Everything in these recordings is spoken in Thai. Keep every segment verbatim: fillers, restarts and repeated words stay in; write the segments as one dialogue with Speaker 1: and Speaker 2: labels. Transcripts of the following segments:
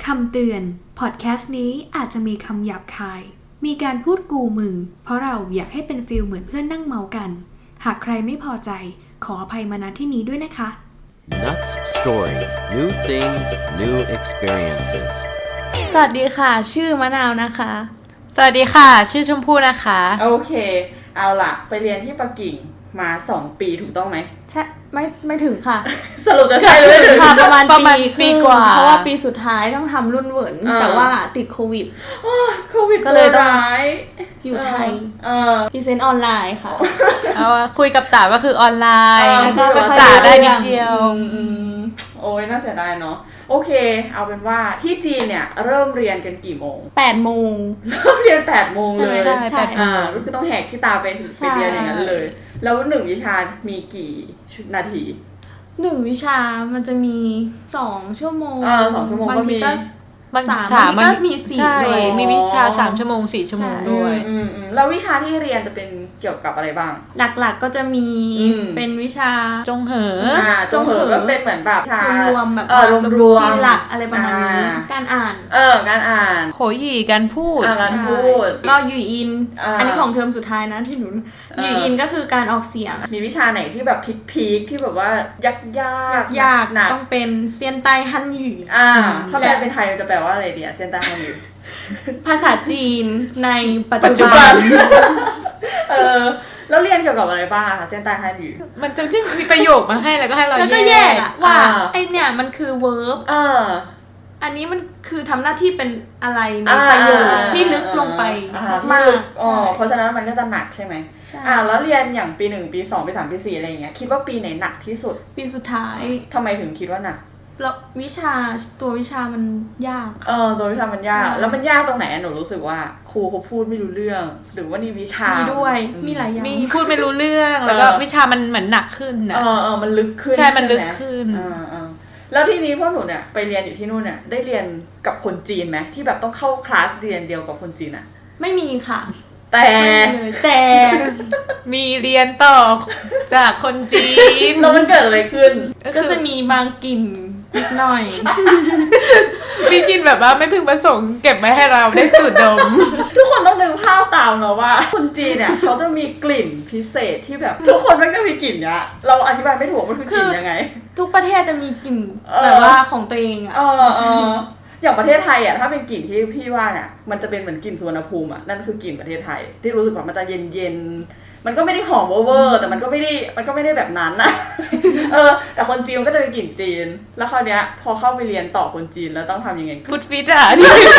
Speaker 1: คำเตือนพอดแคสต์นี้อาจจะมีคำหยาบคายมีการพูดกูมึงเพราะเราอยากให้เป็นฟีลเหมือนเพื่อนนั่งเมากันหากใครไม่พอใจขออภัยมาณที่นี้ด้วยนะคะ
Speaker 2: Nuts Story New Things New Experiences
Speaker 3: สวัสดีค่ะชื่อมะนาวนะคะ
Speaker 4: สวัสดีค่ะชื่อชมพู่นะคะ
Speaker 5: โอเคเอาล่ะไปเรียนที่ปักกิ่งมาสองปีถูกต้องไหม
Speaker 3: ใช่ไม่ไม่ถึงค่ะ
Speaker 5: สรุปจะใช่หรือไม่ถึง
Speaker 3: ค่ะประมาณ
Speaker 4: ประมาณ
Speaker 3: ปี
Speaker 4: ปีกว่า
Speaker 3: เพราะว่าปีสุดท้ายต้องทำรุ่นเหวินแต่ว่าติดโควิด
Speaker 5: โควิด
Speaker 3: ก็เลยต้อง
Speaker 5: ร้าย
Speaker 3: อยู่ไทย
Speaker 5: เออ
Speaker 3: พรีเซนต์ออนไลน์ค่ะ
Speaker 4: เอาคุยกับต๋าก็คือออนไลน์
Speaker 3: ก็
Speaker 4: ภาษาได้นิดเดียว
Speaker 5: โอ้ยน่าเสียดายเนาะโอเคเอาเป็นว่าที่จีนเนี่ยเริ่มเรียนกันกี่โมง
Speaker 3: แปดโมง
Speaker 5: เริ่มเรียนแปดโมงเลย
Speaker 4: ใช่ใช่
Speaker 5: อ่าก็คือต้องแหกที่ตาไปถึงไปเรียนอย่างนั้นเลยแล้วหนึ่งวิชามีกี่นาที
Speaker 3: หนึ่งวิชามันจะมีสองชั่วโมง
Speaker 5: อ่าสองชั่วโมงก็มี
Speaker 3: บางสามมันก็มีสี่ด้วย
Speaker 4: มีวิชาสามชั่วโมงสี่ชั่วโมงด้วย
Speaker 5: อืมๆแล้ววิชาที่เรียนจะเป็นเกี่ยวกับอะไรบ้าง
Speaker 3: หลักๆก็จะมีเป็นวิชา
Speaker 4: จงเหอ
Speaker 5: อ่าจงเหอก็เป็นเหมือนแบบ
Speaker 3: รวมๆแบบ
Speaker 5: เออรวมๆ
Speaker 3: จีนหลักอะไรประมาณนี้การอ่าน
Speaker 5: เออการอ่าน
Speaker 4: โขยี่การพูด
Speaker 5: การพูด
Speaker 3: ก็ยูอินอันนี้ของเทอมสุดท้ายนะที่หนูยูอินก็คือการออกเสียง
Speaker 5: มีวิชาไหนที่แบบพีคๆที่แบบว่ายากยาก
Speaker 3: ยากหนักต้องเป็นเซียนไต้ฮั่นหยู่
Speaker 5: อ่าถ้าแปลเป็นไทยมันจะแปลว่าอะไรดีอะเซียนไต้ฮั่นหยู่
Speaker 3: ภาษาจีนในปัจ
Speaker 5: จุบันเออแล้วเรียนเกี่ยวกับอะไรบ้างคะเซียนไต้ฮั่นหยู่
Speaker 4: มันจะจึงมีประโยคมาให้แล้วก็ให้เรา
Speaker 3: แยกว่าไอเนี่ยมันคือ verb
Speaker 5: เออ
Speaker 3: อันนี้มันคือทำหน้าที่เป็นอะไรในประโยคที่ลึกลงไปมาก
Speaker 5: อ๋อเพราะฉะนั้นมันก็จะหนักใช่ไหมอ่าแล้วเรียนอย่างปีหนึ่งปีสองปีสามปีสี่อะไรอย่างเงี้ยคิดว่าปีไหนหนักที่สุด
Speaker 3: ปีสุดท้าย
Speaker 5: ทำไมถึงคิดว่าหนัก
Speaker 3: แล้ววิชาตัววิชามันยาก
Speaker 5: เออตัววิชามันยากแล้วมันยากตรงไหนหนูรู้สึกว่าครูเขาพูดไม่รู้เรื่องหรือว่านี่วิชา
Speaker 3: มีด้วยมีหลายอย่าง
Speaker 4: มีพูดไม่รู้เรื่องแล้วก็วิชามันเหมือนหนักขึ้นนะ
Speaker 5: เออเออมันลึกขึ้น
Speaker 4: ใช่มันลึกขึ้น
Speaker 5: เออเออแล้วทีนี้พวกหนูเนี่ยไปเรียนอยู่ที่นู่นเนี่ยได้เรียนกับคนจีนไหมที่แบบต้องเข้าคลาสเรียนเดียวกับคนจีนอะ
Speaker 3: ไม่มีค่ะ
Speaker 5: แต่
Speaker 3: แต่
Speaker 4: มีเรียนต่อจากคนจีน
Speaker 5: แล้วมันเกิดอะไรขึ้น
Speaker 3: ก็จะมีบางกลิ่นนิดหน่อย
Speaker 4: มีกลิ่นแบบว่าไม่พึงประสงค์เก็บไว้ให้เราได้สูดดม
Speaker 5: ทุกคนต้องนึกภาพตามเนาะว่าคนจีนเนี่ยเขาจะมีกลิ่นพิเศษที่แบบทุกคนไม่ได้มีกลิ่นเนี้ยเราอธิบายไม่ถูกมันคือกลิ่นยังไง
Speaker 3: ทุกประเทศจะมีกลิ่นแบบว่าของตัวเองอ่ะ
Speaker 5: อย่างประเทศไทยอ่ะถ้าเป็นกลิ่นที่พี่ว่าเนี่ยมันจะเป็นเหมือนกลิ่นสุวรรณภูมิอ่ะนั่นคือกลิ่นประเทศไทยที่รู้สึกว่ามันจะเย็นๆมันก็ไม่ได้หอมเวอร์แต่มันก็ไม่ได้มันก็ไม่ได้แบบนั้นนะเออแต่คนจีนก็จะเป็นกลิ่นจีนแล้วคราวเนี้ยพอเข้าไปเรียนต่อคนจีนแล้วต้องทำยังไง
Speaker 4: ฟุตฟิตอ่ะ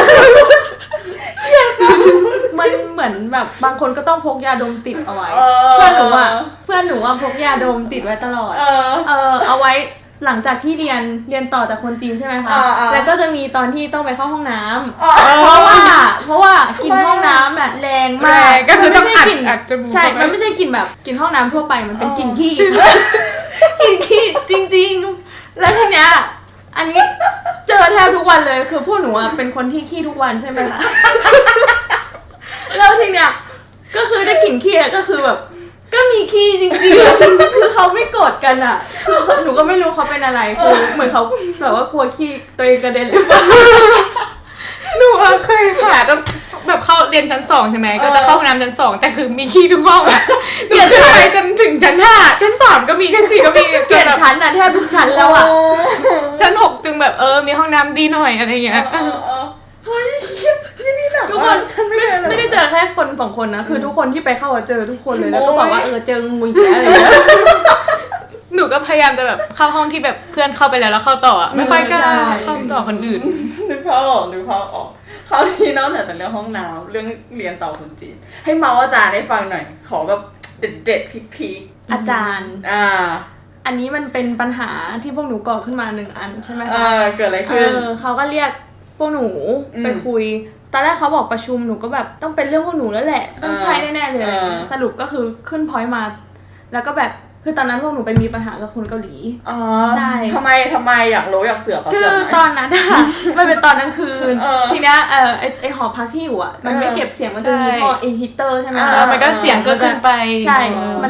Speaker 3: มันเหมือนแบบบางคนก็ต้องพกยาดมติดเอาไว้เพื่อนหนูอ่ะเพื่อนหนูอ่ะพกยาดมติดไว้ตลอดเออเอาไว้หลังจากที่เรียนเรียนต่อจากคนจีนใช่ไหมคะแล้วก็จะมีตอนที่ต้องไปเข้าห้องน้ำเพราะว่าเพราะว่ากินห้องน้ำอ่ะแรงมาก
Speaker 4: ก็คือต้องอัดอัดจมูก
Speaker 3: ใช่มันไม่ใช่กลิ่นแบบกลิ่นห้องน้ำทั่วไปมันเป็นกลิ่นขี้กลิ่นขี้จริงๆแล้วทีเนี้ยอันนี้เจอแทบทุกวันเลยคือพวกหนูอ่ะเป็นคนที่ขี้ทุกวันใช่ไหมคะแล้วทีเนี้ยก็คือได้กลิ่นขี้ก็คือแบบก็มีขี้จริงๆคือเขาไม่โกรธกันอ่ะคือหนูก็ไม่รู้เขาเป็นอะไรคือเหมือนเขาแบบว่ากลัวขี้ตัวเองกระเด็นเลย
Speaker 4: หนูเคยค่ะต้องแบบเข้าเรียนชั้นสองใช่ไหมก็จะเข้าห้องน้ำชั้นสองแต่คือมีขี้ทุกห้องอ่ะเปลี่ยนขึ้นไปจนถึงชั้นห้าชั้นสามก็มีชั้นสี่ก็มี
Speaker 3: เปลี่ยนชั้นอ่ะแทบทุกชั้นแล้วอ่ะ
Speaker 4: ชั้นหกจึงแบบเออมีห้องน้ำดีหน่อยอะไรเงี้ย
Speaker 5: เฮ้ยที่นี่หนัก
Speaker 3: ทุกคนไม่ไม่ได้เจอแค่คนสองคนนะคือทุกคนที่ไปเข้าเจอทุกคนเลยแล้วก็บอกว่าเออเจองูอีกอะไรเงี้ย
Speaker 4: หนูก็พยายามจะแบบเข้าห้องที่แบบเพื่อนเข้าไปแล้วแล้วเข้าต่อไม่ค่อยกล้าเข้าต่อคนอื่น
Speaker 5: นึกภาพออกนึกภาพออกคราวนี้นอกจากเรื่องห้องน้ำเรื่องเรียนต่อคนจีนให้เมาอาจารย์ให้ฟังหน่อยขอแบบเด็ดๆพีค
Speaker 3: ๆอาจารย์
Speaker 5: อ่า
Speaker 3: อันนี้มันเป็นปัญหาที่พวกหนูก่อขึ้นมาหนึ่งอันใช่ไหมคะ
Speaker 5: เออเกิดอะไรขึ้น
Speaker 3: เออเขาก็เรียกพวกหนูไปคุยตอนแรกเขาบอกประชุมหนูก็แบบต้องเป็นเรื่องพวกหนูแล้วแหละต้องใช่แน่ๆเลยสรุปก็คือขึ้นพอยต์มาแล้วก็แบบคือตอนนั้นพวกหนูไปมีปัญหากับคนเกาหลี
Speaker 5: อ๋อใช่ทำไมทำไมอยากรู้อยากเสือกเขา
Speaker 3: คือตอนนั้นอะมันเป็นตอนกลางคืนทีเนี้ยเออไอไอหอพักที่อยู่อะมันไม่เก็บเสียงมันจะมีท่อไอฮีเตอร์ใช่ไหม
Speaker 4: มันก็เสียงก็ขึ้นไป
Speaker 3: ใช่มัน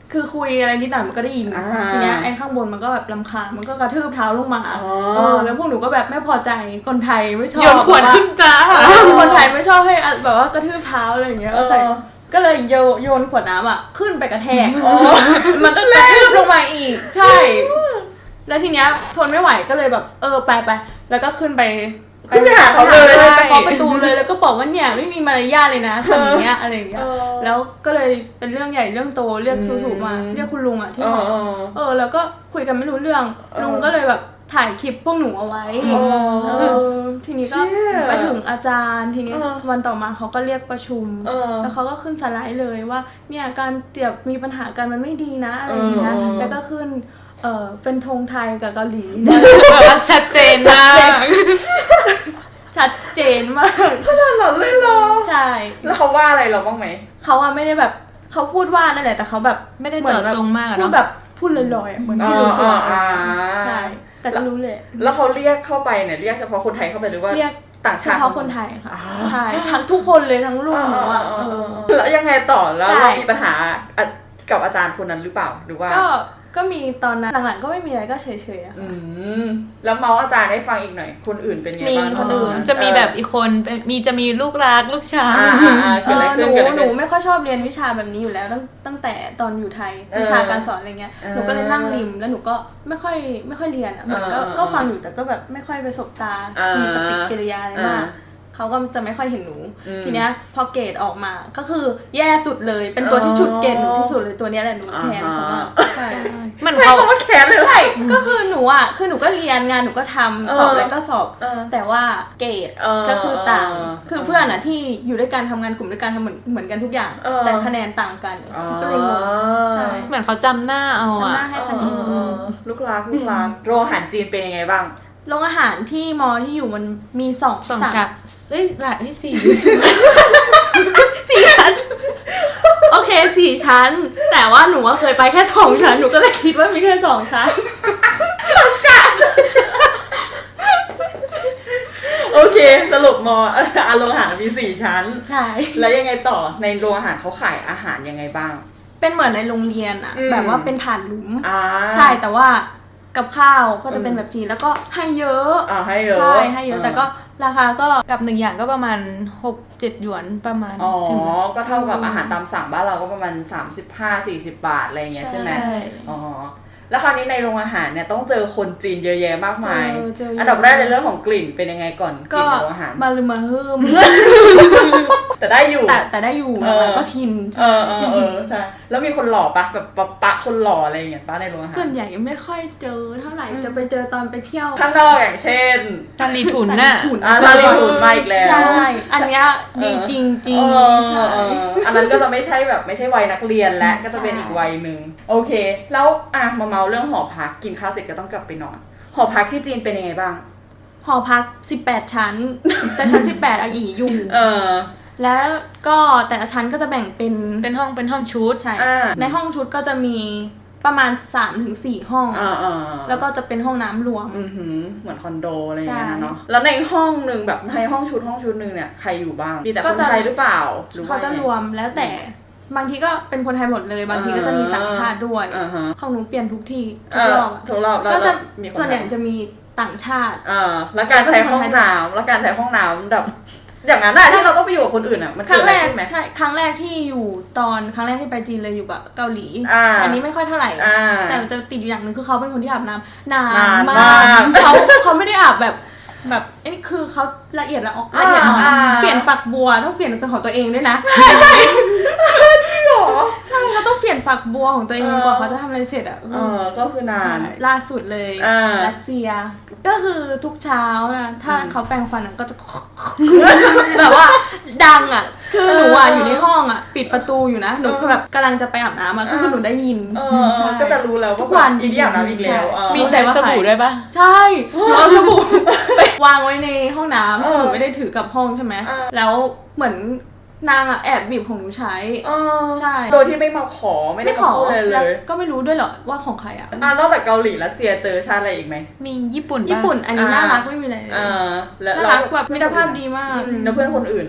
Speaker 3: คือคุยอะไรนิดหน่อยมันก็ได้ยิน
Speaker 5: อ่า
Speaker 3: ทีเนี้ยไอ้ข้างบนมันก็แบบรำคาญมันก็กระทืบเท้าลงมา
Speaker 5: อ๋อ
Speaker 3: เออแล้วพวกหนูก็แบบไม่พอใจคนไทยไม่ชอบ
Speaker 4: โยนขวดขึ้นจ้า
Speaker 3: แบบว่าคนไทยไม่ชอบให้แบบว่ากระทืบเท้าอะไรอย่างเงี้ย
Speaker 5: เออ
Speaker 3: ใส่ก็เลยโยโยนขวดน้ำอ่ะขึ้นไปกระแทกมันก็กระทืบลงมาอีกใช่ แล้วทีเนี้ยทนไม่ไหวก็เลยแบบเออไปไปแล้วก็ขึ้นไป
Speaker 5: ขึ้นไปหาเขาเลย
Speaker 3: ไปเคาะประตูเลยแล้วก็บอกว่าเนี่ยไม่มีมารยาทเลยนะทำอย่างเงี้ยอะไรอย่างเงี้ย
Speaker 5: เออ
Speaker 3: แล้วก็เลยเป็นเรื่องใหญ่เรื่องโตเรียก
Speaker 5: อืม
Speaker 3: สูๆมาเรียกคุณลุงอ่ะที่
Speaker 5: เอ
Speaker 3: หอ
Speaker 5: อเออ
Speaker 3: เออแล้วก็คุยกันไม่รู้เรื่อง
Speaker 5: เออ
Speaker 3: ลุงก็เลยแบบถ่ายคลิปพวกหนูเอาไว้
Speaker 5: อ๋อ
Speaker 3: เออทีนี้ก็
Speaker 5: เชี่ย
Speaker 3: ไปถึงอาจารย์ทีนี้
Speaker 5: เออ
Speaker 3: วันต่อมาเขาก็เรียกประชุม
Speaker 5: เออ
Speaker 3: แล้วเขาก็ขึ้นสไลด์เลยว่าเนี่ยการเตียบมีปัญหากันมันไม่ดีนะอะไรอย่างเงี้ย
Speaker 5: เออ
Speaker 3: แล้วก็ขึ้นเออเป็นธงไทยกับเกาหลี
Speaker 4: แบบว่าชัดเจนมาก
Speaker 3: ชัดเจนมาก
Speaker 5: ขนาดนั้นเลยเหรอ
Speaker 3: ใช่
Speaker 5: แล้วเขาว่าอะไรเราบ้างไหม
Speaker 3: เขาอะไม่ได้แบบเขาพูดว่านั่นแหละแต่เขาแบบ
Speaker 4: ไม่ได้เจาะจงมากอะ
Speaker 3: พูด
Speaker 4: เนาะ
Speaker 3: แบบพูดลอยๆอะเหมือนที่รู้ตัว
Speaker 5: อ่า
Speaker 3: ใช่แต่ก็รู้เลย
Speaker 5: แล้วเขาเรียกเข้าไปเนี่ยเรียกเฉพาะคนไทยเข้าไปหรือว่า
Speaker 3: เรียก
Speaker 5: ต่าง
Speaker 3: เฉ
Speaker 5: ชาติ
Speaker 3: พาะคนไทยค่ะใช่ทั้งทุกคนเลยทั้งรุ่นหนูอะ
Speaker 5: เออ
Speaker 3: เอ
Speaker 5: เอ
Speaker 3: อ
Speaker 5: อเออแล้วยังไงต่อแล้ว
Speaker 3: ใช่
Speaker 5: เรามีปัญหากับอาจารย์คนนั้นหรือเปล่าหรือว่า
Speaker 3: ก็ก็มีตอนนั้นหลังๆก็ไม่มีอะไรก็เฉยๆอะ
Speaker 5: อืมแล้วเมาส์อาจารย์ให้ฟังอีกหน่อยคนอื่นเป็นไงบ้าง
Speaker 3: มีคนอื่น
Speaker 4: จะมีแบบอีกคนเป็นมีจะมีลูกรักลูกชาย
Speaker 5: อ่าอ่าอ่า
Speaker 3: เอ
Speaker 5: เกิดอะไร
Speaker 3: อห
Speaker 5: ขึ้
Speaker 3: นู
Speaker 5: นเกิดอะไร
Speaker 3: หนู
Speaker 5: ขึ้น
Speaker 3: ไม่ค่อยชอบเรียนวิชาแบบนี้อยู่แล้วตั้งตั้งแต่ตอนอยู่ไทย
Speaker 5: เออ
Speaker 3: วิชาการสอนอะไรเงี้ย
Speaker 5: เออ
Speaker 3: หนูก็เลยนั่งริมแล้วหนูก็ไม่ค่อยไม่ค่อยเรียนอ่ะเหมือนก็
Speaker 5: เออ
Speaker 3: ก็ฟังอยู่แต่ก็แบบไม่ค่อยไปสบตา
Speaker 5: เออ
Speaker 3: มีปฏิกิริยาอะไรมาก
Speaker 5: เออ
Speaker 3: เขาก็จะไม่ค่อยเห็นหนู
Speaker 5: อืม
Speaker 3: ทีเนี้ยพอเกรดออกมาก็คือแย่สุดเลยเป็นตัวที่ฉุดเกรดหนูที่สุดเลยตัวเนี้ยแหละหนูแทนเขาอะใช่
Speaker 4: มัน
Speaker 5: ใช่
Speaker 4: เขา
Speaker 5: คำว่าแขนเลยเหรอ
Speaker 3: ใช่ก็คือหนูอ่ะคือหนูก็เรียนงานหนูก็ทำ
Speaker 5: เออ
Speaker 3: สอบอะไรก็สอบ
Speaker 5: เออ
Speaker 3: แต่ว่าเกรด
Speaker 5: เออ
Speaker 3: ก็คือต่าง
Speaker 5: เออ
Speaker 3: คือเพื่อนอ่ะที่อยู่ด้วยกันทำงานกลุ่มด้วยกันทำเหมือนเหมือนกันทุกอย่าง
Speaker 5: เออ
Speaker 3: แต่คะแนนต่างกันก็เลยงงใช่
Speaker 4: เหมือนเขาจำหน้าเอา
Speaker 3: จำห
Speaker 4: อะ
Speaker 3: น้าให้คะแนน
Speaker 5: เออลูกรักลูกรักโรงอาหารจีนเป็นยังไงบ้าง
Speaker 3: โรงอาหารที่มอที่อยู่มันมีสอง
Speaker 4: สอง
Speaker 3: สาม
Speaker 4: ชั้นเอ้ยหลายที่สี่
Speaker 3: สี่ชั้นโอเคสี่ชั้น แต่ว่าหนูว่าเคยไปแค่สองชั้นหนูก็เลยคิดว่ามีแค่สองชั้น
Speaker 5: โอเคสรุปมออ่ะโรงอาหารมีสี่ชั้น
Speaker 3: ใช่
Speaker 5: แล้วยังไงต่อในโรงอาหารเขาขายอาหารยังไงบ้าง
Speaker 3: เป็นเหมือนในโรงเรียนอะ
Speaker 5: อืม
Speaker 3: แบบว่าเป็นฐานหลุม
Speaker 5: อ่า
Speaker 3: ใช่แต่ว่ากับข้าวก็จะเป็นแบบจีนแล้วก็ให้เยอะ
Speaker 5: อ่าให้เยอะ
Speaker 3: ใช่ให้เยอะแต่ก็ราคาก็
Speaker 4: กับหนึ่งอย่างก็ประมาณหกเจ็ดหยวนประมาณ
Speaker 5: อ๋อ
Speaker 4: ถึง
Speaker 5: ก็เท่ากับอาหารตามสั่งบ้านเราก็ประมาณสามสิบห้า สี่สิบบาทอะไรอย่างเงี้ยใช่ไหม
Speaker 4: ใช่
Speaker 5: อ๋อแล้วคราวนี้ในโรงอาหารเนี่ยต้องเจอคนจีนเยอะแยะมากมาย
Speaker 3: เจอเจอเยอะ
Speaker 5: อันดับแรกในเรื่องของกลิ่นเป็นยังไงก่อนก
Speaker 3: ก็
Speaker 5: ลิ่นในโรงอาหาร
Speaker 3: มาลืมมาฮึม
Speaker 5: แต่ได้อยู่
Speaker 3: แต่แต่ได้อยู่
Speaker 5: เออ
Speaker 3: มันก็ชิน
Speaker 5: เออเออเออใช่แล้วมีคนหล่อปะแบบปะปะคนหล่ออะไรอย่างเงี้ยปะในโรงอาหาร
Speaker 3: ส่วนใหญ่ไม่ค่อยเจอเท่าไหร่จะไปเจอตอนไปเที่ยว
Speaker 5: ข้างนอกอย่างเช่น
Speaker 4: ตาลีถุนน่ะ
Speaker 3: ถุน
Speaker 5: อ่าลาลิทูนมาอีกแล้ว
Speaker 3: ใช่อันเนี้ยดีจริงจริง
Speaker 5: เออ
Speaker 3: ใช่
Speaker 5: เอออันนั้นก็จะไม่ใช่แบบไม่ใช่วัยนักเรียนแล้วก็จะเป็นอีกวัยหนึ่งโอเค แล้วอ่ะมาเมาเรื่องหอพักกินข้าวเสร็จก็ต้องกลับไปนอน หอพักที่จีนเป็นยังไงบ้าง
Speaker 3: หอพักสิบแปดชั้น แต่ชั้นสิบแปดอ่ะอีอยู่
Speaker 5: เออ
Speaker 3: แล้วก็แต่ละชั้นก็จะแบ่งเป็น
Speaker 4: เป็นห้องเป็นห้องชุด
Speaker 3: ใช่
Speaker 5: อ่า
Speaker 3: ในห้องชุดก็จะมีประมาณ สามถึงสี่ ห้อง
Speaker 5: อ่าอ่า
Speaker 3: แล้วก็จะเป็นห้องน้ำรวม
Speaker 5: อือหือเหมือนคอนโดอะไรอย่างเงี้ย
Speaker 3: ใช่
Speaker 5: นะเนาะแล้วในห้องหนึ่งแบบในห้องชุดห้องชุดหนึ่งเนี่ยใครอยู่บ้างมีแต่
Speaker 3: ก็
Speaker 5: คน
Speaker 3: จะ
Speaker 5: ไทยหรือเปล่าหรือ
Speaker 3: เขาจะรวมแล้วแต่บางทีก็เป็นคนไทยหมดเลย บางทีก็จะมีต่างชาติด้วย
Speaker 5: อ่าฮะ
Speaker 3: ของหนูเปลี่ยนทุกทีทุ
Speaker 5: เอก อ
Speaker 3: รอบอะ
Speaker 5: ทุกรอบแล้ว
Speaker 3: ก็จะ
Speaker 5: มีคน
Speaker 3: ส่วนใหญ่
Speaker 5: ไทย
Speaker 3: จะมีต่างชาติ
Speaker 5: อ่าแล้วการใช้ห้องน้ำแล้วการใช้ห้องน้ำแบบอย่างนั้นอะที่เราต้องไปอยู่กับคนอื่นอะมัน
Speaker 3: ค
Speaker 5: เกิ
Speaker 3: รั้
Speaker 5: ด
Speaker 3: ง
Speaker 5: อะไร
Speaker 3: แรก
Speaker 5: ขึ้นไหม
Speaker 3: ใช่ครั้งแรกที่อยู่ตอนครั้งแรกที่ไปจีนเลยอยู่กับเกาหลี
Speaker 5: อ่า
Speaker 3: อันนี้ไม่ค่อยเท่าไหร่
Speaker 5: อ่า
Speaker 3: แต่มันจะติดอยู่อย่างหนึ่งคือเขาเป็นคนที่อาบน้ำนาน
Speaker 5: นาน
Speaker 3: มาม
Speaker 5: าก
Speaker 3: กเขาเขาไม่ได้อาบแบบแบบอันนี้คือเขาละเอียดละออกละเอียดอ่อน
Speaker 5: อ่า
Speaker 3: เปลี่ยนฝักบัวต้องเปลี่ยนเป็นของตัวเองด้วยนะ
Speaker 5: จริงเหรอ
Speaker 3: ใช่เขาต้องเปลี่ยนฝักบัวของตัวเอง
Speaker 5: เออ
Speaker 3: กว่าเขาจะทำอะไรเสร็จอ่ะ
Speaker 5: เออก็คือนาน
Speaker 3: ใช่ล่าสุดเลย
Speaker 5: อ่า
Speaker 3: รัสเซีย ก็คือทุกเช้านะถ้าเขาแปรงฟันอะก็จะ แบบว่าดังอ่ะ คือหนูอ่ะอยู่ในห้องอ่ะ ปิดประตูอยู่นะหนูก็แบบกำลังจะไปอาบน้ำอ่ะก็คือหนูได้ยิน
Speaker 5: เออ
Speaker 3: ใช่
Speaker 5: ก็จะรู้แล้ว
Speaker 3: ทุ
Speaker 5: ว่าก
Speaker 3: วัน
Speaker 5: อีนี่อาบน้ำอีกแล้วเออ
Speaker 4: มีใช้สบู่ด้วยปะ
Speaker 3: ใช่หนูเอาสบู่ไปวางไว้ในห้องน้ำ
Speaker 5: เออ
Speaker 3: หนูไม่ได้ถือกลับห้องใช่ไหม
Speaker 5: เออ
Speaker 3: แล้วเหมือนนางอ่ะแอบบีบของหนูใช้
Speaker 5: เออ
Speaker 3: ใช่
Speaker 5: โดยที่ไม่มาขอไม่ได้
Speaker 3: ไม่ขอ
Speaker 5: มาพูดอะไรเล
Speaker 3: แล้ว
Speaker 5: ย
Speaker 3: ก็ไม่รู้ด้วยเหรอว่าของใครอ่ะ
Speaker 5: อ่ะนอกจากเกาหลีรัสเซียเจอชาติอะไรอีกไหม
Speaker 4: มีญี่ปุ่นปะ
Speaker 3: ญี่ปุ่นอันนี้
Speaker 5: อ่า
Speaker 3: น่ารักไม่มีอะไรเลย
Speaker 5: เออแล้ว
Speaker 3: น่ารักแบบมิตรภาพดีมาก
Speaker 5: อืมแล้วเพื่อนคนอื่นนะ
Speaker 3: เ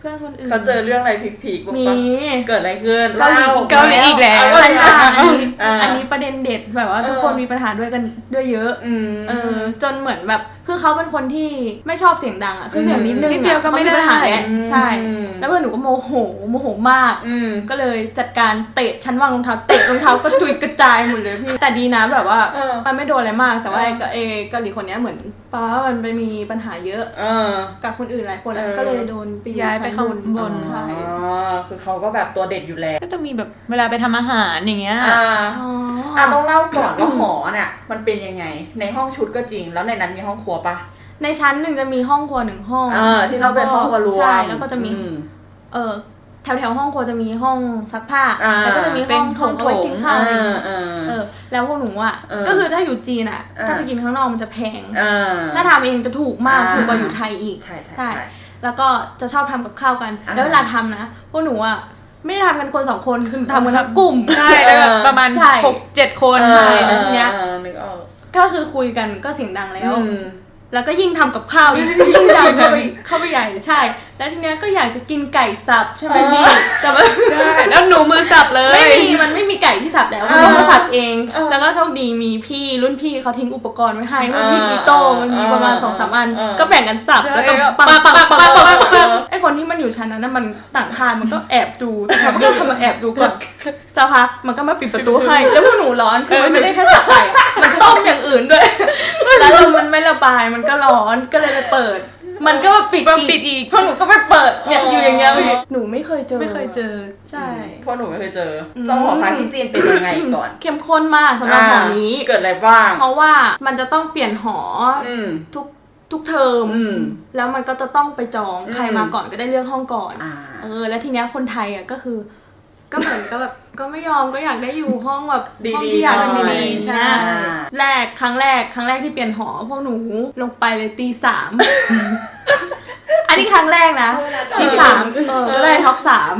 Speaker 3: พื่อนคนอื่น
Speaker 5: เขาเจอเรื่องอะไรพีคๆบ้าง
Speaker 3: มี
Speaker 5: ปะเกิดอะไรขึ้น
Speaker 3: เกาหลี
Speaker 4: เกาหลีอีกแล้ว
Speaker 3: เกาหลีอันนี้
Speaker 5: อ่า
Speaker 3: อันนี้ประเด็นเด็ดแบบว่าทุกคนมีปัญหาด้วยกันด้วยเยอะ
Speaker 5: อืม
Speaker 3: เออจนเหมือนแบบคือเขาเป็นคนที่ไม่ชอบเสียงดังอ่ะคือเสียงนิดนึง
Speaker 4: นิดเดียวก็ไม่ได้
Speaker 3: ปัญหาแหละใช่
Speaker 5: อืม
Speaker 3: แล้วเพื่อนหนูก็โมโหโมโหมาก
Speaker 5: อืม
Speaker 3: ก็เลยจัดการเตะชั้นวางรองเท้าเตะรองเท้ากระจุยกระจายหมดเลยพี่แต่ดีนะแบบว่า
Speaker 5: เออ
Speaker 3: มันไม่โดนอะไรมากแต่ว่า
Speaker 5: เออ
Speaker 3: ไอ้ก็เอเกาหลีคนเนี้ยเหมือนป้ามันไปมีปัญหาเยอะ
Speaker 5: เออ
Speaker 3: กับคนอื่นหลายคนแล้ว
Speaker 5: เออ
Speaker 3: ก็เลยโดนไปอ
Speaker 4: ย้ายไปข้างบน
Speaker 3: ใช่
Speaker 5: อ๋อคือเขาก็แบบตัวเด็ดอยู่แล้ว
Speaker 4: ก็จะมีแบบเวลาไปทำอาหารอย่างเงี้ย
Speaker 5: อ่า
Speaker 3: อ๋อ
Speaker 5: อ่ะต้องเล่าก่อนว่าหอเนี่ยมันเป็นยังไงในห้องชุดก็จริงแล้วในนั้นมีห้องครัวปะ
Speaker 3: ในชั้นหนึ่งจะมีห้องครัวหนึ่งห้อง
Speaker 5: เออที่เราเป็นห้องครัวรวม
Speaker 3: ใช่แล้วก็จะมี
Speaker 5: อื
Speaker 3: เออแถวแถวๆห้องครัวจะมีห้องซักผ้า
Speaker 5: อ่า
Speaker 3: แล้วก็จะมีห้องโถงเอาไว้กินข้าวอะไรอย่างเงี้ย
Speaker 5: เออ
Speaker 3: เออแล้วพวกหนูอ่ะ
Speaker 5: เออ
Speaker 3: ก็คือถ้าอยู่จีนอ่ะ
Speaker 5: เออ
Speaker 3: ถ้าไปกินข้างนอกมันจะแพง
Speaker 5: เออ
Speaker 3: ถ้าทำเองจะถูกมาก
Speaker 5: อ่า
Speaker 3: ถูกกว่าอยู่ไทยอีก
Speaker 5: ใช่ใช่
Speaker 3: ใช่
Speaker 5: ใช่
Speaker 3: แล้วก็จะชอบทำกับข้าวกัน
Speaker 5: อ่า
Speaker 3: แล้วเวลาทำนะพวกหนูอ่ะไม่ได้ทำกันคนสองคนคือทำกันทั้งกลุ่ม
Speaker 4: ใช่แล้วแบบประมาณ
Speaker 3: ใช่
Speaker 4: หกเจ็ดคน
Speaker 3: ใช่แล้วทีเนี้ย
Speaker 5: ออนึกออก
Speaker 3: ก็คือคุยกันก็เสียงดังแล้ว
Speaker 5: อืม
Speaker 3: แล้วก็ยิ่งทำกับข้าวยิ่งยิ่งดังเข้าไปเข้าไปใหญ่ใช่ แล้วทีเนี้ยก็อยากจะกินไก่สับใช่ไหมพี่แต่ว่า
Speaker 4: ใช่แล้วหนูมือสับเลย
Speaker 3: ไม่มีมันไม่มีไก่ที่สับแล้วมันต้องมาสับเอง แล้วก็โชคดีมีพี่รุ่นพี่เขาทิ้งอุปกรณ์ไว้ให้มันมีอีโต้มันมีประมาณสองสามอัน ก็แบ่งกันสับแล้วก็ปังปังปังปังปังปังไอคนที่มันอยู่ชั้นนั้นน่ะมันต่างชาติมันก็แอบดูแต่มันก็ทำมาแอบดูก่อนสักพักมันก็มาปิดประตูให้แล้วพวกหนูร้อนคือมันไม่ได้แค่สับไก่มันต้มอย่างอื่นด้วยแล้วลมมันไม่ระบายมันก็ร้อนก็เลยไปเปิด มันก็มาปิด
Speaker 4: มาปิดอีก
Speaker 3: พวกหนูก็ไปเปิดเนี่ยอยู่อย่างเงี้ยหนูไม่เคยเจอ
Speaker 4: ไม่เคยเจอ
Speaker 3: ใช่
Speaker 5: เพราะหนูไม่เคยเจอเจ้าหอพักที่จีนเป็นยังไงก่อน
Speaker 3: เข้มข้นมากสำหรับหอนี้
Speaker 5: เกิดอะไรบ้าง
Speaker 3: เพราะว่ามันจะต้องเปลี่ยนหอ
Speaker 5: อืม
Speaker 3: ทุกทุกเทอม
Speaker 5: อืม
Speaker 3: แล้วมันก็จะต้องไปจอง
Speaker 5: อืม
Speaker 3: ใครมาก่อนก็ได้เลือกห้องก่อน
Speaker 5: อ่า
Speaker 3: เออแล้วทีเนี้ยคนไทยอ่ะก็คือ ก็เหมือนก็แบบก็ไม่ยอมก็อยากได้อยู่ห้องแบบ
Speaker 5: ดีๆ
Speaker 3: ห้องที่อยาก
Speaker 5: หน่อย
Speaker 3: ดีๆ
Speaker 4: ใช่
Speaker 3: ใช่แรกครั้งแรกครั้งแรกที่เปลี่ยนหอพวกหนูลงไปเลยตีสาม อันนี้ครั้งแรกนะตีสามเออก็ได้ท็อปสาม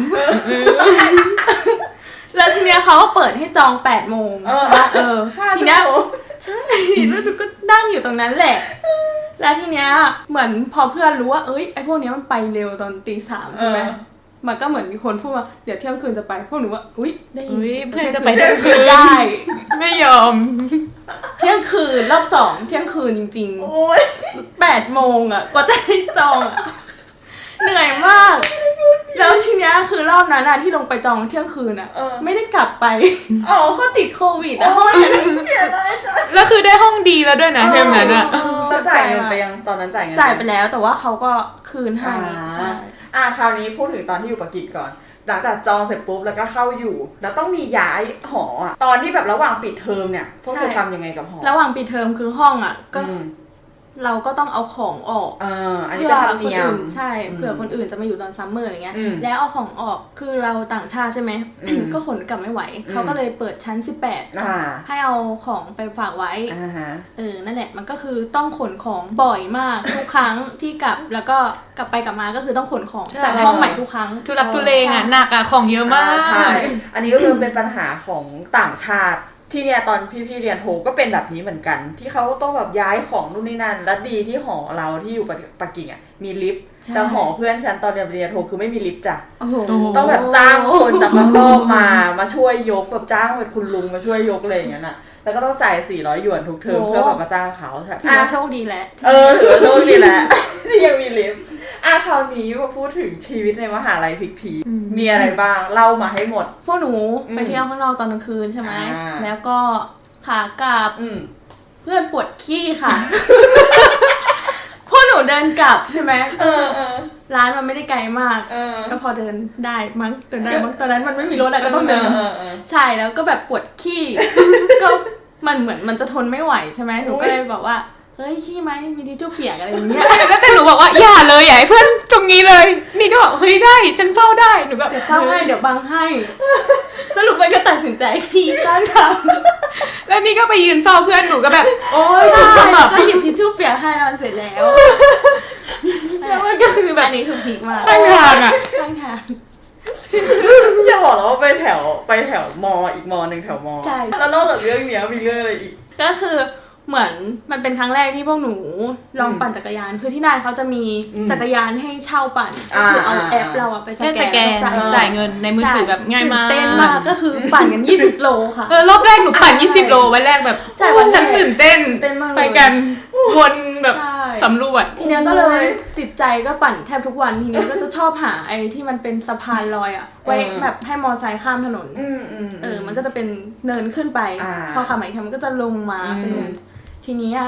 Speaker 3: แล้วทีเนี้ยเขาก็เปิดให้จองแปดโมง
Speaker 5: เออ
Speaker 3: เออทีเนี้ยใช่แล้วหนูก็นั่งอยู่ตรงนั้นแหละ แล้วทีเนี้ยเหมือนพอเพื่อนรู้ว่าเอ้ยไอ้พวกเนี้ยมันไปเร็วตอนตีสามใช่ไหม
Speaker 5: เออ
Speaker 3: มันก็เหมือนมีคนพูดว่าเดี๋ยวเที่ยงคืนจะไปพวกหนูว่าอุ้ยได้ยิ
Speaker 4: อุ๊ยเพื่อนจะไปเที่
Speaker 3: เที่
Speaker 4: ย
Speaker 3: ย
Speaker 4: ง
Speaker 3: ง
Speaker 4: คื
Speaker 3: คื
Speaker 4: น
Speaker 3: นได้
Speaker 4: ไม่ยอม
Speaker 3: เที่ยงคืนรอบสองเที่ยงคืนจริง
Speaker 5: โอ้ย
Speaker 3: ๆแปดโมงอ่ะกว่าจะได้จองอ่ะเหนื่อยมาก แล้วทีเนี้ยคือรอบนั้นอะที่ลงไปจองเที่ยงคืนอ่ะ
Speaker 5: เออ
Speaker 3: ไม่ได้กลับไป
Speaker 5: อ๋อ
Speaker 3: เพราะติดโควิดอ่ะ
Speaker 4: แล้วคือได้ห้องดีแล้วด้วยนะเทอมนั้นอะ
Speaker 5: แล้วจ่ายเงินไปยังตอนนั้นจ่ายเงิน
Speaker 3: จ่ายไปแล้วแต่ว่าเขาก็คืนให้ใช่
Speaker 5: อ่าอ่าคราวนี้พูดถึงตอนที่อยู่ปักกิ่งก่อน หลังจากจองเสร็จปุ๊บแล้วก็เข้าอยู่ แล้วต้องมีย้ายหออะตอนที่แบบระหว่างปิดเทอมเนี่ยพวกเธอทำยังไงกับหอ
Speaker 3: ระหว่างปิดเทอมคือห้องอ่ะก็
Speaker 5: อืม
Speaker 3: เราก็ต้องเอาของออก
Speaker 5: เอออันนี้
Speaker 3: เพื่อ
Speaker 5: เป็นธรรม
Speaker 3: คน
Speaker 5: เนียม
Speaker 3: อื่นใช่
Speaker 5: อืม
Speaker 3: เผื่อคนอื่นจะมาอยู่ตอนซัมเมอร์อะไรเงี้ย
Speaker 5: อืม
Speaker 3: แล้วเอาของออกคือเราต่างชาติใช่ไหม
Speaker 5: อืม
Speaker 3: ก็ขนกลับไม่ไหว
Speaker 5: อืม
Speaker 3: เขาก็เลยเปิดชั้นสิบแปด
Speaker 5: อ่า
Speaker 3: ให้เอาของไปฝากไว้
Speaker 5: อ่าฮะ
Speaker 3: เออนั่นแหละมันก็คือต้องขนของบ่อยมาก ทุกครั้งที่กลับแล้วก็กลับไปกลับมาก็คือต้องขนของ
Speaker 4: ใช่
Speaker 3: จากห้องใหม่ทุกครั้ง
Speaker 4: ทุลักทุเลงอะหนักอะของเยอะมา
Speaker 5: อ่าใช่
Speaker 4: ก
Speaker 5: อันนี้ก็คือเป็นปัญหาของต่างชาติ ที่เนี่ยตอนพี่ๆเรียนโทก็เป็นแบบนี้เหมือนกัน ที่เขาต้องแบบย้ายของนู่นนี่นั่น และดีที่หอเราที่อยู่ปักกิ่งอ่ะมีลิฟต์
Speaker 3: ใช่
Speaker 5: แต่หอเพื่อนฉันตอนเรียนปริญญาโทคือไม่มีลิฟต์จ้ะ
Speaker 3: โอ้โห
Speaker 5: ต้องแบบจ้างคนจากข้างนอกมา มาช่วยยกแบบจ้างเป็นคุณลุงมาช่วยยกอะไรอย่างเงี้ยน่ะ แล้วก็ต้องจ่ายสี่ร้อยหยวนทุกเทอมเพื่อแบบมาจ้างเขาใช่
Speaker 3: ถือว่าโชคดีแหละ
Speaker 5: เออถือว่าโชคดีแหละ ที่ยังมีลิฟต์อ่ะคราวนี้มาพูดถึงชีวิตในมหาลัยพิกพีมีอะไรบ้างเล่ามาให้หมด
Speaker 3: พวกหนู
Speaker 5: อืม
Speaker 3: ไปเที่ยวข้างนอกตอนกลางคืนใช่ไหม
Speaker 5: อ่า
Speaker 3: แล้วก็ขากลับ
Speaker 5: อืม
Speaker 3: เพื่อนปวดขี้ค่ะ พวกหนูเดินกลับใช่ไหม
Speaker 5: เออเออ
Speaker 3: ร้านมันไม่ได้ไกลมาก
Speaker 5: เออ
Speaker 3: ก็พอเดินได้มั้งเดินได้มั้งตอนนั้นมันไม่มีรถอะไรก็ต้องเดิน
Speaker 5: เออเออ
Speaker 3: ใช่แล้วก็แบบปวดขี้ ก็มันเหมือนมันจะทนไม่ไหวใช่ไหมหนูก็เลยบอกว่าเฮ้ยขี้ไหมมีทิชชู่เปียกอะไรอย่างเงี้ย
Speaker 4: แล้วแต่หนูบอกว่าอย่าเลยอย่าให้เพื่อนตรงนี้เลย นี่ก็บอกเฮ้ยได้ฉันเฝ้าได้หนูก็
Speaker 3: เดี๋ยวเข้าให้เดี๋ยวบังให้ สรุปมันก็ตัดสินใจขี้ข้างทาง
Speaker 4: แล้วนี่ก็ไปยืนเฝ้าเพื่อนหนูก็แบบ
Speaker 3: โอ๊ยได้ก็หยิบทิชชู่เปียกให้แล้วมันเสร็จแล้ว
Speaker 4: แล้วมันก็คือแบบ
Speaker 3: อันนี้คือพีคมาก
Speaker 4: ข้างทางอะ
Speaker 3: ข้างทาง
Speaker 5: อย่าบอกแล้วว่าไปแถวไปแถวมออีกมอหนึ่งแถวมอ
Speaker 3: ใช่
Speaker 5: แล้วนอกจากเรื่องเนี้ยมีเรื่องอะไรอีก
Speaker 3: ก็คือเหมือนมันเป็นครั้งแรกที่พวกหนูลองปั่นจักรยานคือที่นั่นเขาจะมีจักรยานให้เช่าปั่นก็คือเอาแอปเราอะไปส
Speaker 4: แค่
Speaker 3: แก
Speaker 4: ส
Speaker 3: น
Speaker 4: แกนจ่ายเงินในมือถือแบบง่ายมาก
Speaker 3: ตื่นเต้นมากก็คือปั่นกันยี่สิบโลค่ะ
Speaker 4: เออรอบแรกหนูปั่นยี่สิบโลวันแรกแบบ
Speaker 3: ใช่วันแรก
Speaker 4: ฉันตื่นเต้น
Speaker 3: เต้นมากเลย
Speaker 4: ไปกันวนแบบ
Speaker 3: ใช่
Speaker 4: สำรวจ
Speaker 3: ทีเนี้ยก็เลยติดใจก็ปั่นแทบทุกวันทีเนี้ยก็จะชอบหาไอ้ที่มันเป็นสะพานลอยอะไว้แบบให้มอไซค์ข้ามถนน
Speaker 5: อืมอืม
Speaker 3: เออมันก็จะเป็นเนินขึ้นไป
Speaker 5: อ่า
Speaker 3: พอขับมาอีกทีมันก็จะลงมาเป็นเนินทีนี้อะ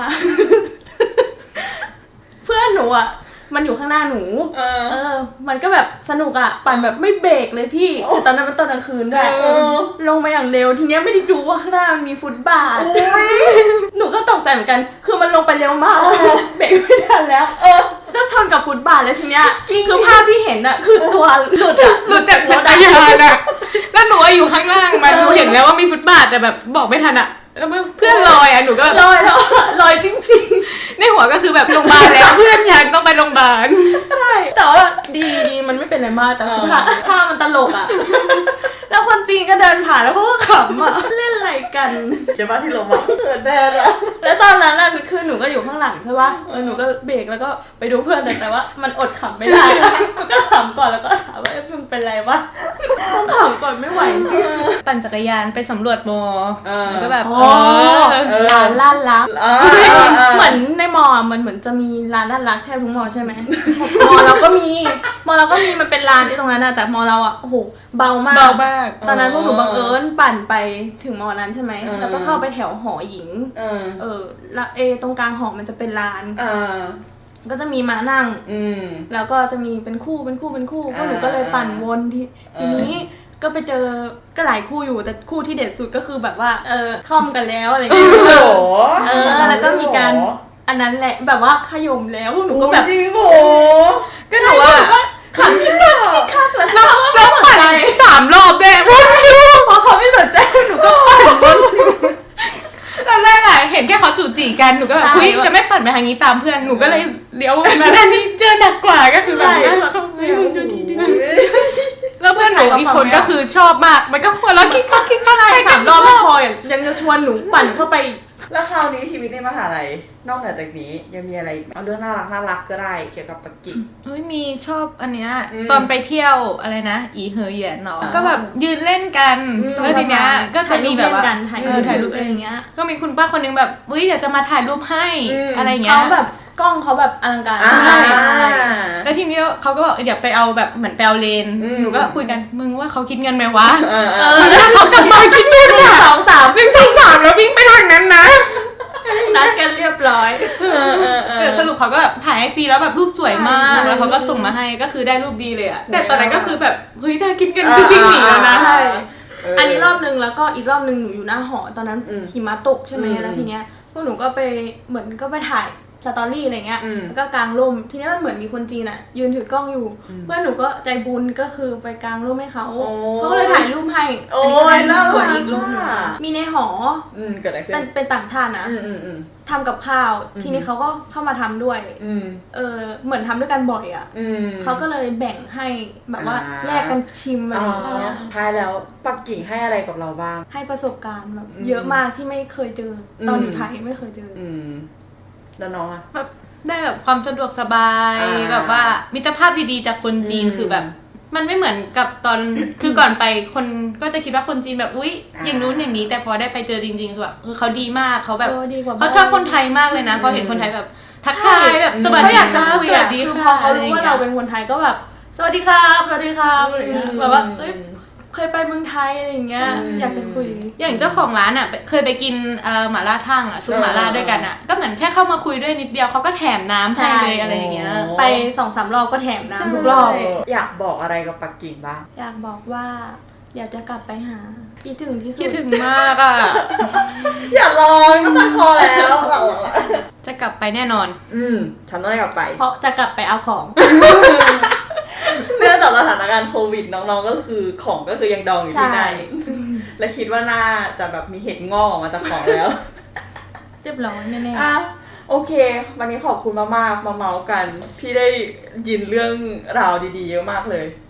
Speaker 3: เพื่อนหนูอะมันอยู่ข้างหน้าหนู
Speaker 5: เออ
Speaker 3: เออ มันก็แบบสนุกอะปั่นแบบไม่เบรกเลยพี่คือตอนนั้นมันตอนกลางคืนด้วย
Speaker 5: เออ
Speaker 3: ลงมาอย่างเร็วทีเนี้ยไม่ได้ดูว่าข้างหน้ามันมีฟุตบาท หนูก็ตกใจเหมือนกัน คือมันลงไปเร็วมากเบรกไม่ทันแล้ว เออ ก็ชนกับฟุตบาทเลยทีเนี้ยคือภาพที่เห็นอะคือตัวหลุดอะ
Speaker 4: หลุดจากจักรยานอะแล้วหนูอะอยู่ข้างล่างมันหนูเห็นแล้วว่ามีฟุตบาทแต่แบบบอกไม่ทันอะแล้วเพื่อนลอยอะหนูก็
Speaker 3: ลอยแล้วลอยจริง
Speaker 4: ในหัวก็คือแบบโรงพยาบาลแล้วเพื่อนฉันต้องไปโรงพยาบาล
Speaker 3: ๆ ใช่ แต่ว่าดีดีมันไม่เป็นอะไรมากแต่คือท่าท่ามันตลกอะแล้วคนจีนก็เดินผ่านแล้วเขาก็ขำอะเล่นอะไรกัน
Speaker 5: เดี๋ยวมาที่ลงมาเกิดแดดอะ
Speaker 3: แล้วตอนนั้นน่ะคือหนูก็อยู่ข้างหลังใช่ปะเออหนูก็เบรกแล้วก็ไปดูเพื่อนแต่แต่ว่ามันอดขำไม่ได้มันก็ขำก่อนแล้วก็ถามว่าเอ๊ะมึงเป็นไรวะต้องขำก่อนไม่ไหวจริง
Speaker 4: ปั่นจักรยานไปสำรวจมอ
Speaker 5: เออ
Speaker 4: ก็แบบ
Speaker 3: โอ้
Speaker 4: เออ
Speaker 3: ร้านล่านรัก
Speaker 5: เออ
Speaker 3: เหมือนในมอมันเหมือนจะมีร้านล่านรักแทบทุกมอใช่ไหมมอเราก็มีมอเราก็มีมันเป็นร้านที่ตรงนั้นนะแต่มอเราอ่ะโอ้โหเบามาก
Speaker 4: เบามาก
Speaker 3: ตอนนั้นพวกหนูบังเอิญปั่นไปถึงมอนั้นใช่ไหม
Speaker 5: เออ
Speaker 3: แล้วก็เข้าไปแถวหอหญิง
Speaker 5: เออ
Speaker 3: เออแล้วเอตรงกลางหอมันจะเป็นลาน
Speaker 5: เออ
Speaker 3: ก็จะมีมานั่ง
Speaker 5: อืม
Speaker 3: แล้วก็จะมีเป็นคู่เป็นคู่เป็นคู่พว
Speaker 5: อ่าก
Speaker 3: หนูก็เลยปั่นวนที
Speaker 5: เออ
Speaker 3: ทีนี้ก็ไปเจอก็หลายคู่อยู่แต่คู่ที่เด็ดสุดก็คือแบบว่าเออคล่อมกันแล้วอะไรอย่างเงี้ย
Speaker 5: โอ้โห
Speaker 3: เออแล้วก็มีการอันนั้นแหละแบบว่าขย่มแล้วหนูก็แบบ
Speaker 5: จริงโห
Speaker 4: ก็หนูอะ
Speaker 3: ขำคิกคักคิกคักแล้ว
Speaker 4: แล้วแล้วปั่นสามรอบด้วยวนอยู่
Speaker 3: พอเขาไม่สนใจหนูก็ปั่นวน
Speaker 4: ตอนแรกอะเห็นแค่เขาจู่จีกันหนูก็แบบ
Speaker 3: ใช่
Speaker 4: เฮ้ยจะไม่ปั่นไปทางนี้ตามเพื่อนหนูก็เลยเลี้ยวมาด้านนี้เจอหนักกว่าก็คือแบบ
Speaker 3: ใช่
Speaker 4: ว่าเขาเฮ้ยมึงดูดีๆแล้วเพื่อนหนูอีกคนก็คือชอบมากมันก็หัวเราะคิกคักคิกคัก
Speaker 3: ใช่สามรอบไม่พออย่างยังจะชวนหนูปั่นเข้าไปอีก
Speaker 5: แล้วคราวนี้ชีวิตในมหาลัยนอกเหนือจากนี้ยังมีอะไรอีกไหมเอาเรื่องน่ารักน่ารักก็ได้เกี่ยวกับปักกิ่ง
Speaker 4: เฮ้ยมีชอบอันเนี้ย
Speaker 5: อืม
Speaker 4: ตอนไปเที่ยวอะไรนะอีเหอเหยียนเนาะ
Speaker 5: อ่า
Speaker 4: ก็แบบยืนเล่นกัน
Speaker 5: อืม
Speaker 4: แล้วทีเนี้ยก็จะมีแบบว่า
Speaker 3: ถ่าย
Speaker 4: เอ
Speaker 3: รู
Speaker 4: อ
Speaker 3: ป
Speaker 4: ถ่า
Speaker 3: ถ่าย ย
Speaker 4: รู
Speaker 3: รู
Speaker 4: ป
Speaker 3: ป
Speaker 4: อะ
Speaker 3: อะไร ไร
Speaker 4: อา
Speaker 3: อย่ย่าง ง
Speaker 4: เงี้
Speaker 3: เงี้
Speaker 4: ย
Speaker 3: ย
Speaker 4: ก็มีคุณป้าคนนึงแบบเฮ้ยเดี๋ยวจะมาถ่ายรูปให้
Speaker 5: อืม
Speaker 4: อะไรเงี้ย
Speaker 3: เขาแบบกล้องเขาแบบอลังการ
Speaker 5: อ่า
Speaker 3: ใช่
Speaker 4: แล้วทีนี้เขาก็บอกเดี๋ยวไปเอาแบบเหมือนไปเอาเลน
Speaker 5: อืม
Speaker 4: หนูก็คุยกันมึงว่าเขาคิดเงินไหมวะ
Speaker 5: เออเอ
Speaker 3: เอ
Speaker 5: อ
Speaker 3: อ
Speaker 4: ถ้าเขากลับมาคิดเงิน
Speaker 3: หนึ่ง
Speaker 4: อะ
Speaker 3: สองสาม
Speaker 4: หนึ่งสองสามแล้ววิ่งไปทางนั้นนะ
Speaker 3: นัดกันเรียบร้อย
Speaker 5: เออเออเอ
Speaker 4: เอ
Speaker 5: อ
Speaker 4: อสรุปเขาก็แบบถ่ายให้ฟรีแล้วแบบรูปสวยมาก
Speaker 3: ใช่
Speaker 4: แล้วเขาก็ส่งมาให้ก็คือได้รูปดีเลยอะแต่ตอนนั้นก็คือแบบเฮ้ยถ้าคิดเงิน
Speaker 5: อ่า
Speaker 4: คือวิ่งหนีแล้วนะ
Speaker 3: ใช่
Speaker 5: เอออั
Speaker 3: อันนี้รอบนึงแล้วก็อีกรอบนึงหนูอยู่หน้าหอตอนนั้น
Speaker 5: อืม
Speaker 3: หิมะตกใช่ไหม
Speaker 5: อืม
Speaker 3: แล้วทีเนี้ยพวกหนูก็ไปเหมือนก็ไปถ่ายสตอรี่อะไรเงี้ย
Speaker 5: อืม
Speaker 3: แล้วก็กางร่มทีนี้มันเหมือนมีคนจีนอะยืนถือกล้องอยู่ เพื่อนหนูก็ใจบุญก็คือไปกางร่มให้เขา
Speaker 5: โอ้
Speaker 3: เขาก็เลยถ่ายรูปให้
Speaker 5: โอ้
Speaker 3: อันนี้ก็ถ่ายรูปสวย
Speaker 5: น่ารัก
Speaker 3: อีกรูปหนึง
Speaker 5: อ่ะ
Speaker 3: มีในหอ
Speaker 5: อืมเกิดอะไรขึ้
Speaker 3: แต่
Speaker 5: น
Speaker 3: เป็นต่างชาตินะ
Speaker 5: อืมอืมอืม
Speaker 3: ทำกับข้าว ทีนี้เขาก็เข้ามาทำด้วย
Speaker 5: อืม
Speaker 3: เออเหมือนทำด้วยกันบ่อยอะ
Speaker 5: อืม
Speaker 3: เขาก็เลยแบ่งให้แบบว่า
Speaker 5: อ่า
Speaker 3: แลกกันชิมอะไร
Speaker 5: อ๋อ
Speaker 3: อย่างเงี้ย
Speaker 5: ท้ายแล้วปักกิ่งให้อะไรกับเราบ้าง
Speaker 3: ให้ประสบการณ์แบบ
Speaker 5: อืม
Speaker 3: เยอะมากที่ไม่เคยเจออ
Speaker 5: ม
Speaker 3: ตอนอยู่ไทยไม่เคยเจออ
Speaker 5: อืมแล้วน้องอะ
Speaker 4: แบบได้แบบความสะดวกสบาย
Speaker 5: อ่า
Speaker 4: แบบว่ามิตรภาพดีๆจากคนจีน
Speaker 5: อืม
Speaker 4: คือแบบ มันไม่เหมือนกับตอน คือก่อนไปคนก็จะคิดว่าคนจีนแบบอุ๊ย
Speaker 5: อ่า
Speaker 4: อย่างนู้นอย่างนี้แต่พอได้ไปเจอจริงๆคือแบบคือเขาดีมากเขาแบบ
Speaker 3: เออดีกว่า
Speaker 4: เขาชอบคนไทยมากเลยนะพอเห็นคนไทยแบบทักทายแบบสวัส
Speaker 3: เขา
Speaker 4: ดี
Speaker 3: อยาก
Speaker 4: ค
Speaker 3: จะ
Speaker 4: รับ
Speaker 3: คุย
Speaker 4: สวั
Speaker 3: อะ
Speaker 4: สดี
Speaker 3: คือ
Speaker 4: ค่ะ
Speaker 3: พอเขารู้ว่าเราเป็นคนไทยก็แบบสวัสดีครับสวัสดีครับอะไรอย่างเงี้ยแบบว่าเอ้ยเคยไปเมืองไทยอะไรอย่างเงี้ย
Speaker 5: อืม
Speaker 3: อยากจะคุย
Speaker 4: อย่างเจ้าของร้านอ่ะเคยไปกินเอ่อหม่าล่าทั่งอ่ะซุปหม่าล่าด้วยกันอ่ะก็เหมือนแค่เข้ามาคุยด้วยนิดเดียวเขาก็แถมน้ำให้เลย
Speaker 3: ใช่
Speaker 4: อะไรอย่างเงี้ย
Speaker 3: ไปสองสามรอบก็แถม
Speaker 4: ใช่
Speaker 3: น้ำทุกรอบ
Speaker 5: เอออยากบอกอะไรกับปักกิ่งบ้าง
Speaker 3: อยากบอกว่า อยากจะกลับไปหาคิดถึงที่สุด
Speaker 4: คิดถึงมากอ่ะ
Speaker 5: อย่าลองก็ตะคอแล้ว
Speaker 4: จะกลับไปแน่นอน
Speaker 5: อืมฉันต้องได้กลับไป
Speaker 3: เพราะจะกลับไปเอาของ
Speaker 5: เนื่องจากสถานการณ์โควิดน้องๆก็คือของก็คือยังดองอยู่ที่
Speaker 3: ใช่
Speaker 5: นั่นและคิดว่าน่าจะแบบมีเห็ดงอกออกมาจากของแล้ว
Speaker 3: เรียบร้อยแน่
Speaker 5: อ่ะโอเค วันนี้ขอบคุณมากๆมาเมาส์กัน พี่ได้ยินเรื่องราวดีๆเยอะมากเลย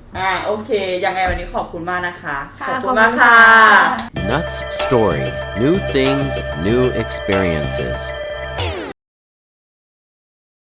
Speaker 5: อ่าโอเคยังไงวันนี้ขอบคุณมากนะคะ
Speaker 3: ค่ะ
Speaker 5: ขอบคุณมากค่ะ
Speaker 2: Nuts Story New Things, New Experiences